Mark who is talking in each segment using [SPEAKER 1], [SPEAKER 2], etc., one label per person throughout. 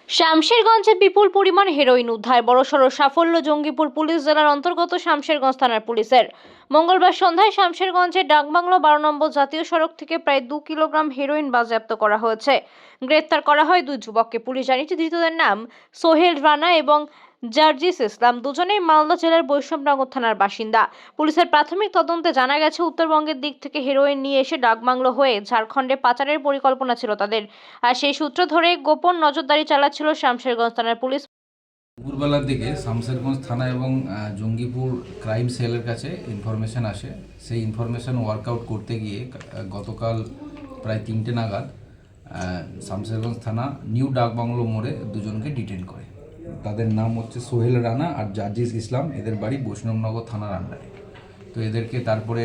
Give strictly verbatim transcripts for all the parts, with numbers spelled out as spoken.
[SPEAKER 1] শামশেরগঞ্জে বিপুল পরিমাণ হেরোইন উদ্ধার, বড়সড় সাফল্য জঙ্গিপুর পুলিশ জেলার অন্তর্গত শামশেরগঞ্জ থানার পুলিশের। মঙ্গলবার সন্ধ্যায় শামশেরগঞ্জের ডাকবাংলো বারো নম্বর জাতীয় সড়ক থেকে প্রায় দু কিলোগ্রাম হেরোইন বাজেয়াপ্ত করা হয়েছে। গ্রেপ্তার করা হয় দুই যুবককে। পুলিশ জানিয়েছে ধৃতদের নাম সোহেল রানা এবং জার্জিস ইসলাম, দুজনেই মালদা জেলার বৈষ্ণবনগর থানার বাসিন্দা। পুলিশের প্রাথমিক তদন্তে জানা গেছে উত্তরবঙ্গের দিক থেকে হেরোইন নিয়ে এসে ডাকবাংলো হয়ে ঝাড়খণ্ডে পাচারের পরিকল্পনা ছিল তাদের, আর সেই সূত্র ধরে গোপন নজরদারি চালাচ্ছিল শামশেরগঞ্জ থানার পুলিশ।
[SPEAKER 2] দুপুরবেলার দিকে শামশেরগঞ্জ থানা এবং জঙ্গিপুর ক্রাইম সেলের কাছে ইনফরমেশন আসে। সেই ইনফরমেশন ওয়ার্কআউট করতে গিয়ে গতকাল প্রায় তিনটে নাগাদ শামশেরগঞ্জ থানা নিউ ডাকবাংলো মোড়ে দুজনকে ডিটেন করে। তাদের নাম হচ্ছে সোহেল রানা আর জার্জিস ইসলাম। এদের বাড়ি বৈষ্ণবনগর থানার আন্ডারে। তো এদেরকে তারপরে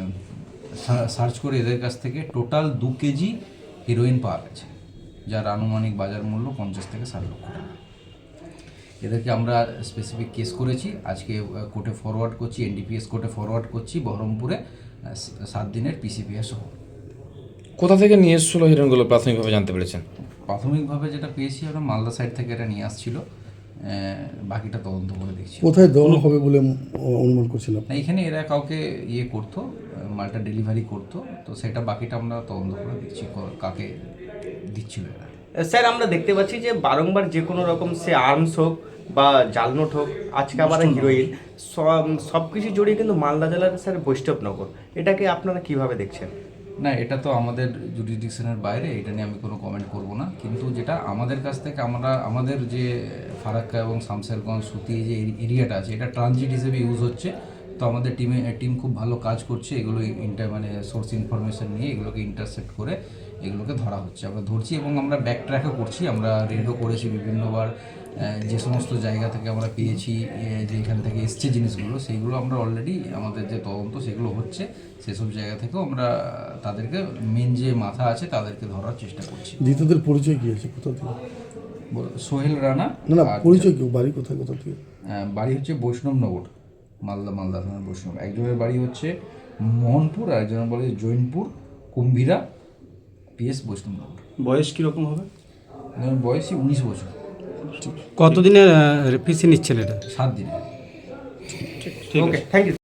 [SPEAKER 2] সার্চ করে এদের কাছ থেকে টোটাল দু কেজি হিরোইন পাওয়া গেছে, যার আনুমানিক বাজার মূল্য পঞ্চাশ থেকে ষাট লক্ষ টাকা। এদেরকে আমরা স্পেসিফিক কেস করেছি, আজকে কোর্টে ফরওয়ার্ড করছি, এনডিপিএস কোর্টে ফরওয়ার্ড করছি বহরমপুরে সাত দিনের পিসিপিএস সহ।
[SPEAKER 3] কোথা থেকে নিয়ে এসেছিল হিরোইনগুলো প্রাথমিকভাবে জানতে পেরেছেন?
[SPEAKER 2] প্রাথমিকভাবে যেটা পেয়েছি আমরা মালদা সাইড থেকে এটা নিয়ে আসছিল, বাকিটা তদন্ত করে দেখছি।
[SPEAKER 4] কোথায় দেওয়া হবে বলে অনুমান করছিলাম?
[SPEAKER 2] এইখানে এরা কাউকে ইয়ে করতো, মালটা ডেলিভারি করতো, তো সেটা বাকিটা আমরা তদন্ত করে দেখছি কাকে দিচ্ছিল এরা।
[SPEAKER 5] স্যার, আমরা দেখতে পাচ্ছি যে বারংবার যে কোনো রকম সে আর্মস হোক বা জাল নোট হোক, আজকে আবার হিরোইন, সব কিছু জড়িয়ে কিন্তু মালদা জেলার স্যার বৈষ্ণবনগর, এটাকে আপনারা কিভাবে দেখছেন?
[SPEAKER 2] না, এটা তো আমাদের জুরিডিকশনের বাইরে, এটা নিয়ে আমি কোনো কমেন্ট করব না। কিন্তু যেটা আমাদের কাছ থেকে আমরা আমাদের যে ফারাক্কা এবং শামশেরগঞ্জ সুতি যে এরিয়াটা আছে, এটা ট্রানজিট হিসেবে ইউজ হচ্ছে। তো আমাদের টিমে টিম খুব ভালো কাজ করছে, এগুলো ইন্টার মানে সোর্স ইনফরমেশন নিয়ে এগুলোকে ইন্টারসেপ্ট করে এগুলোকে ধরা হচ্ছে, আমরা ধরছি এবং আমরা ব্যাক ট্র্যাকও করছি। আমরা রেডও করেছি বিভিন্নবার, যে সমস্ত জায়গা থেকে আমরা পেয়েছি যেখান থেকে এসছে জিনিসগুলো, সেইগুলো আমরা অলরেডি আমাদের যে তদন্ত সেগুলো হচ্ছে, সেসব জায়গা থেকেও আমরা তাদেরকে মেন যে মাথা আছে তাদেরকে ধরার চেষ্টা করছি।
[SPEAKER 4] ধৃতদের পরিচয় কি আছে, কোথা থেকে?
[SPEAKER 2] সোহেল রানা।
[SPEAKER 4] না না, পরিচয় কি, বাড়ি কোথায়, কোথা থেকে?
[SPEAKER 2] বাড়ি হচ্ছে বৈষ্ণবনগর, মালদা মালদা থানার বৈষ্ণব। একজনের বাড়ি হচ্ছে মোহনপুর আর একজনের বাড়ি জৈনপুর কুম্ভীরা, পিএস বৈষ্ণবনগর।
[SPEAKER 6] বয়স কীরকম হবে?
[SPEAKER 2] বয়সই উনিশ বছর।
[SPEAKER 6] কতদিনের পিসি নিচ্ছেন এটা?
[SPEAKER 2] সাত দিনে।
[SPEAKER 5] Okay, thank you.